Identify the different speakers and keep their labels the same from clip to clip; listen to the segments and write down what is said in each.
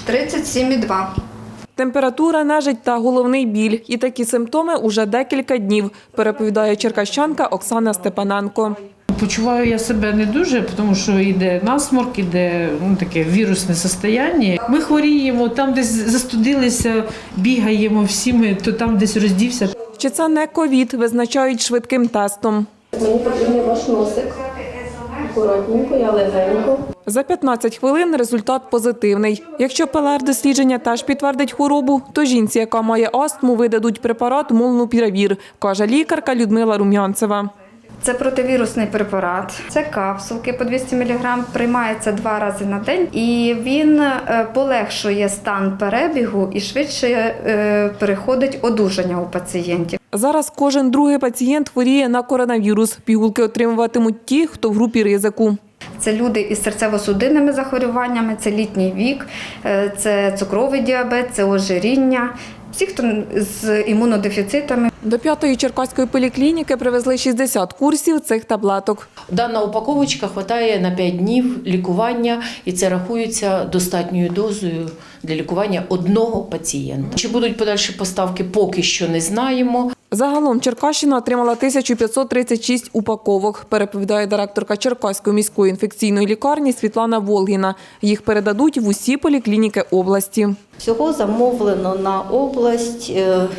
Speaker 1: 37,2.
Speaker 2: Температура, нежить та головний біль. І такі симптоми уже декілька днів, переповідає черкащанка Оксана Степаненко.
Speaker 3: Почуваю я себе не дуже, тому що йде насморк, йде таке вірусне состояння. Ми хворіємо, там десь застудилися, бігаємо всі ми, то там десь роздівся.
Speaker 2: Чи це не ковід, визначають швидким тестом.
Speaker 4: Мені потрібен ваш носик. Акуратненько, я легенько.
Speaker 2: За 15 хвилин результат позитивний. Якщо ПЛР-дослідження теж підтвердить хворобу, то жінці, яка має астму, видадуть препарат молнупіравір, каже лікарка Людмила Рум'янцева.
Speaker 1: Це противірусний препарат, це капсулки по 200 мг, приймається 2 рази на день і він полегшує стан перебігу і швидше переходить одужання у пацієнтів.
Speaker 2: Зараз кожен другий пацієнт хворіє на коронавірус. Пігулки отримуватимуть ті, хто в групі ризику.
Speaker 1: Це люди із серцево-судинними захворюваннями, це літній вік, це цукровий діабет, це ожиріння. Всі, хто з імунодефіцитами.
Speaker 2: До 5-ї черкаської поліклініки привезли 60 курсів цих таблеток.
Speaker 5: Дана упаковочка вистачає на 5 днів лікування, і це рахується достатньою дозою для лікування одного пацієнта. Чи будуть подальші поставки, поки що не знаємо.
Speaker 2: Загалом Черкащина отримала 1536 упаковок, переповідає директорка Черкаської міської інфекційної лікарні Світлана Волгіна. Їх передадуть в усі поліклініки області.
Speaker 4: Всього замовлено на область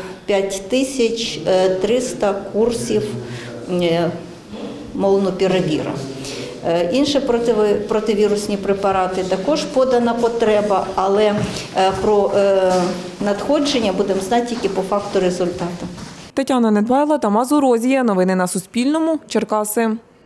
Speaker 4: 5300 курсів молнупіравіра. Інші противірусні препарати також подана потреба, але про надходження будемо знати тільки по факту результату.
Speaker 2: Тетяна Недбайло, Тамас Урозія. Новини на Суспільному. Черкаси.